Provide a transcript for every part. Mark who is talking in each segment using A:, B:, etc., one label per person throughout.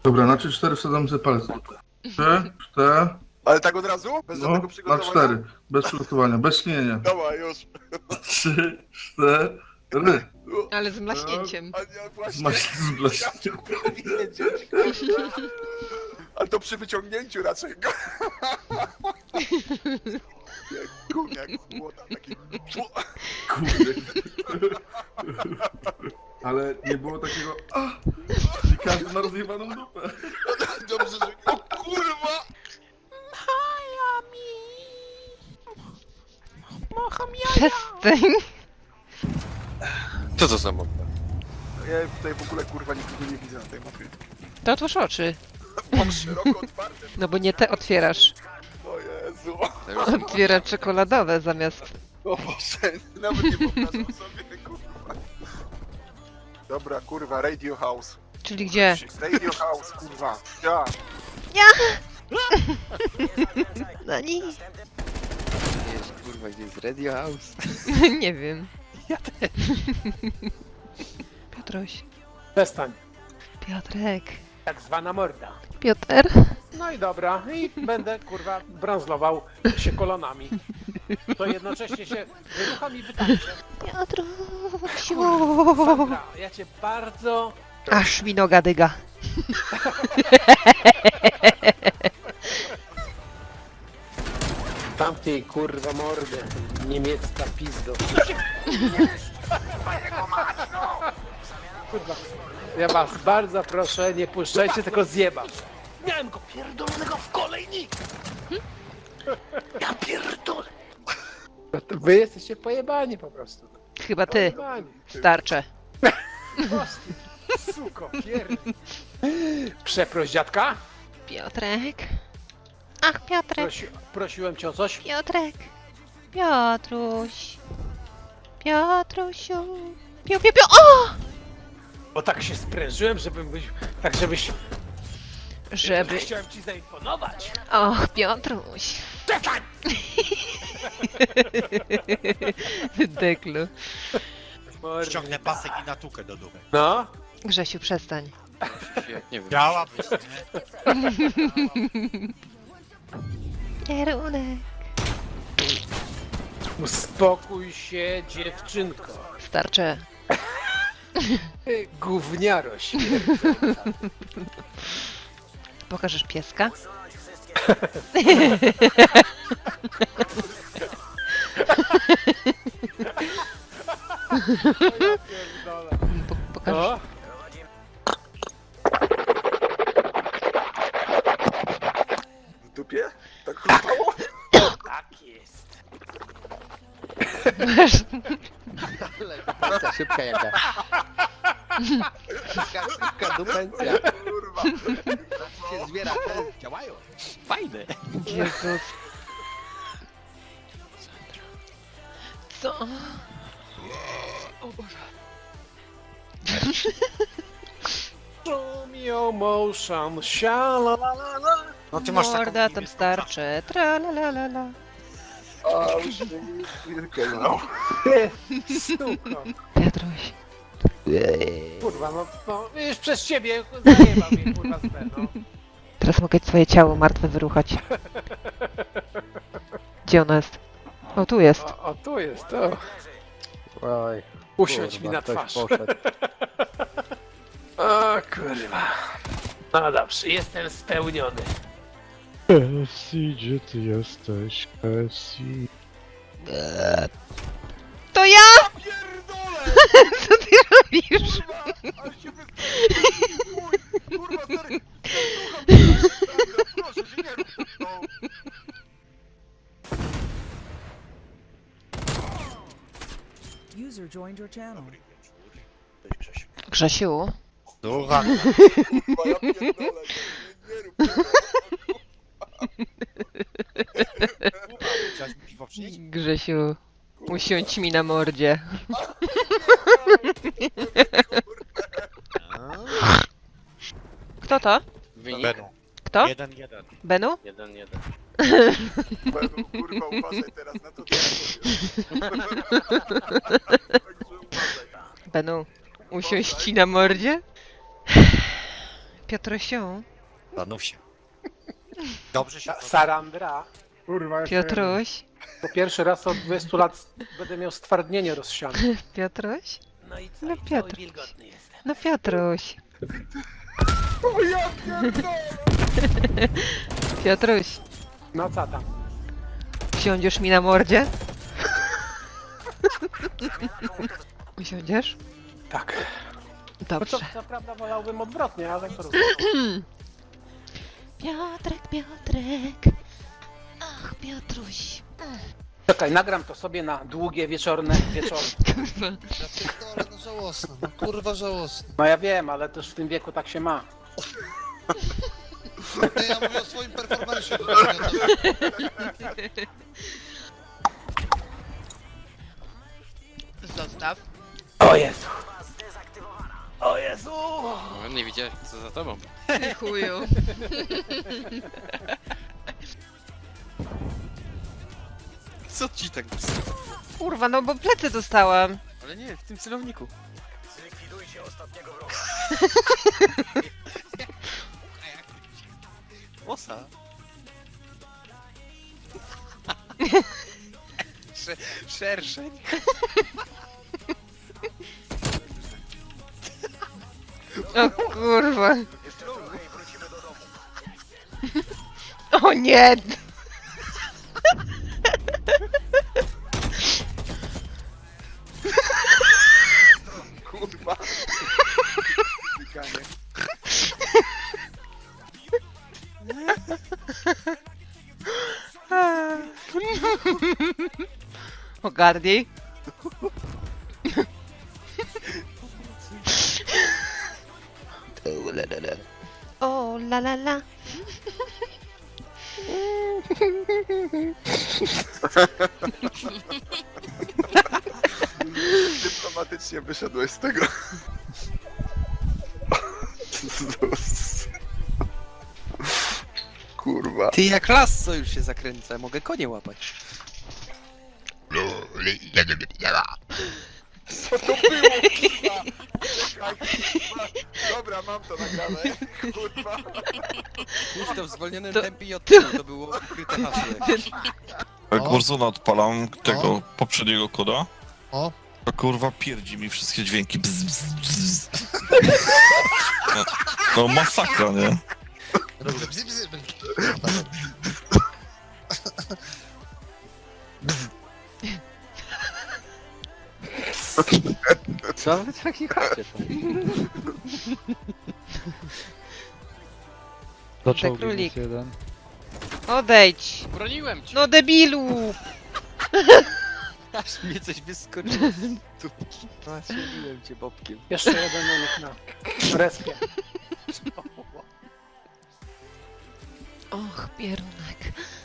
A: Dobra, na 3-4 wsadzam sobie palec. 3, 4,
B: Ale tak od razu? Bez
A: no,
B: żadnego
A: na
B: przygotowania?
A: 4. Bez przygotowania, bez śnienia.
B: Dobra, już.
A: 3, 4.
C: Ale z mlaśnięciem.
B: A nie, właśnie.
A: Z blaśnięciem.
B: Wiedzieć. Ale to przy wyciągnięciu raczej. Jak gówniak z młota, taki...
A: Kurde. Ale nie było takiego... I każdy ma rozjebaną dupę.
B: Dobrze, że... O kurwa!
C: Przestań.
D: Co to za mapa?
B: Ja tutaj w ogóle kurwa nikogo nie widzę na tej mapie.
C: To otwórz oczy.
B: Mam szeroko otwarte.
C: No bo nie te otwierasz.
B: O Jezu.
C: Otwiera czekoladowe zamiast...
B: O Boże, nawet nie wyobrażam sobie, kurwa. Dobra, kurwa, Radio House.
C: Czyli gdzie?
B: Radio House, kurwa. Ja.
C: No nie.
D: Jest kurwa gdzieś Radio House.
C: Nie wiem. Ja też. Piotruś.
E: Przestań.
C: Piotrek.
E: Tak zwana morda.
C: Piotr.
E: No i dobra, i będę kurwa branzlował się kolonami. To jednocześnie się wyrucham i wytańczę.
C: Piotrusiu.
E: Sandra, ja cię bardzo...
C: Aż mi noga dyga.
E: Tamtej kurwa mordę, niemiecka pizdo. Kurwa, ja was bardzo proszę, nie puszczajcie, tylko zjebam. Miałem go pierdolonego w kolejnik! Ja pierdolę! Wy jesteście pojebani po prostu.
C: Chyba ty.
E: Pojebani.
C: Starcze.
E: Prosty, suko, pierd... Przeproś dziadka.
C: Piotrek. Ach, Piotrek.
E: Prosiłem cię o coś.
C: Piotrek. Piotruś. Piotrusiu. Piu, piu, piu. O!
E: Bo tak się sprężyłem, żebyś...
C: Żeby...
E: Chciałem ci zaimponować.
C: Och, Piotruś.
E: Przestań!
C: Deklu.
F: Ściągnę pasek i natukę do dupy.
E: No.
C: Grzesiu, przestań.
D: Nie wiem.
F: Chciałabyś, nie?
C: Kierunek.
E: Uspokój się, dziewczynko.
C: Starcze.
E: Ty gówniaro śmierdząca.
C: Pokażesz pieska? Pokażesz...
E: No.
B: W dupie? Tak chrupało?
E: Tak jest.
D: Ale szybka jaka. Szybka dupencja.
B: Kurwa.
D: Się zbiera, te działają. Fajne.
C: Jezus. Co? O Boże.
E: Show me your motion, sha-la-la-la-la.
F: No ty masz taką
C: Morda tam
F: niebieską
C: starcze. Tra la la la la.
B: A, już chwilkę, no.
E: Suko.
C: Piotruś.
E: Kurwa, no już przez ciebie zajebał mnie kurwa z B, no.
C: Teraz mogę twoje ciało martwe wyruchać. Gdzie ona jest? O, tu jest.
E: O, tu jest, to.
D: Oj.
E: Usiądź mi na twarz. O kurwa. No dobrze, jestem spełniony.
G: Cassie, gdzie ty jesteś, Cassie?
C: To ja!
B: Pierdolę!
C: Co ty robisz?
B: Kurwa, ale się wystraszyłem. Kurwa, stary. Serducha, proszę się nie rób. No.
H: User joined your channel.
C: Grzesiu.
F: Słucham.
B: Kurwa, ja pierdolę. Nie rób tego.
F: Chciałeś mi piwo przynieść?
C: Grzesiu. Usiądź mi na mordzie. Kto to?
D: Wynik
F: Benu.
C: Kto?
F: 1-1.
C: Benu?
D: 1-1.
B: Benu, kurwa, uważaj teraz na to, co ja powiem. Także uważaj.
C: Benu. Usiąść ci na mordzie? Piotrosiu,
F: Zastanów się. Dobrze się
E: Sarandra.
A: Kurwa, jeszcze
C: Piotruś,
E: Po pierwszy raz od 20 lat będę miał stwardnienie rozsiane.
C: Piotruś,
E: No i co?
C: No
E: I cały
C: Piotr.
E: wilgotny jestem.
C: no Piotruś,
A: jeden. O ja pierdolę!
C: Piotruś,
E: No co tam?
C: usiądziesz mi na mordzie? Usiądziesz?
E: Tak. No
C: Dobrze.
E: co prawda wolałbym odwrotnie, ale to rozumiem.
C: Piotrek, Piotrek. Ach, Piotruś.
E: Czekaj, nagram to sobie na długie wieczorne wieczory.
H: Ja pierdolę, no żałosne, no kurwa żałosne.
E: No ja wiem, ale też w tym wieku tak się ma.
H: Nie, ja mówię o swoim performance'ie.
C: Zostaw.
E: O Jezu! O Jezu!
D: Nie widziałeś co za tobą.
C: Ty chuju.
D: Co ci tak...
C: Kurwa, no bo plecy dostałam.
D: Ale nie, w tym celowniku. Osa. Szerszeń.
C: O kurwa. O nie!
B: Kurwa. Wykanie.
C: Ogarnij. O la la la.
B: Dyplomatycznie wyszedłeś z tego. Kurwa.
D: Ty jak lasso już się zakręca, mogę konie łapać.
B: Co to było, kurwa? Czekaj, kurwa. Dobra, mam to nagrane. Kurwa.
D: Puść to w zwolnionym
C: To-
D: tempie i od tyłu, to było ukryte hasło jakieś.
H: O.
I: Warzona odpalam tego
H: O.
I: poprzedniego koda.
H: O.
I: To kurwa pierdzi mi wszystkie dźwięki. Bzz, bzz, bzz. No masakra, nie?
H: Robię bzy, bzy, bzy.
D: Co wy taki chacie są?
G: Zaczął
C: Królik.
G: minus jeden.
C: Odejdź.
D: Broniłem cię!
C: No debilu.
D: Aż mnie coś wyskoczyło z tubki. Nastrzeliłem cię bobkiem.
E: Jeszcze jeden u nich na respie.
C: Och, pierunek.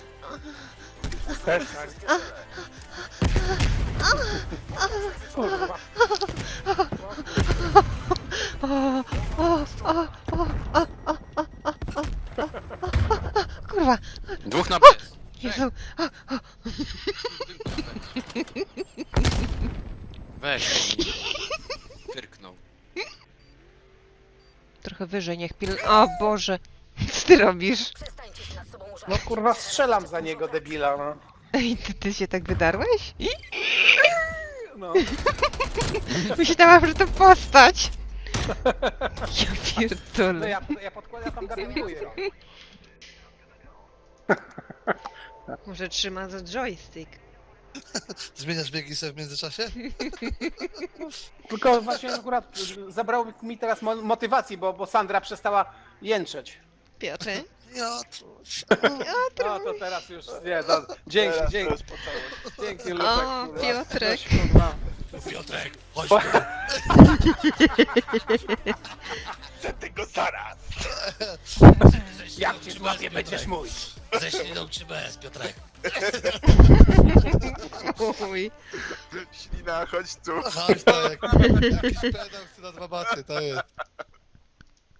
E: Kurwa.
C: Kurwa.
D: Dwóch na bez.
C: Jezu.
D: Weź. Fyrknął.
C: Trochę wyżej, niech pil... O Boże. Co ty robisz?
E: No kurwa strzelam za niego, debila, no.
C: Ej, ty się tak wydarłeś?
E: No.
C: Myślałam, że to postać. Ja
E: No
C: pierdolę.
E: ja podkładam, tam garnikuję.
C: Może trzyma za joystick.
H: Zmieniasz biegi sobie w międzyczasie?
E: Tylko właśnie akurat zabrało mi teraz motywacji, bo Sandra przestała jęczeć.
C: Piotr?
H: Piotruś.
E: No to teraz już nie, no, dzięki,
B: Teraz
E: dzięki.
B: to już po całości.
E: Dzięki Lucek.
C: O,
E: kurwa.
C: Piotrek.
E: Coś, kurwa.
H: Piotrek, chodź
E: Bo-
B: Chcę tego zaraz.
E: Jak cię złapię, będziesz mój.
H: ze śliną czy bez, Piotrek?
C: Uj.
B: Ślina, chodź tu.
H: Chodź to, jakiś pedał chce na dwa baty, to jest.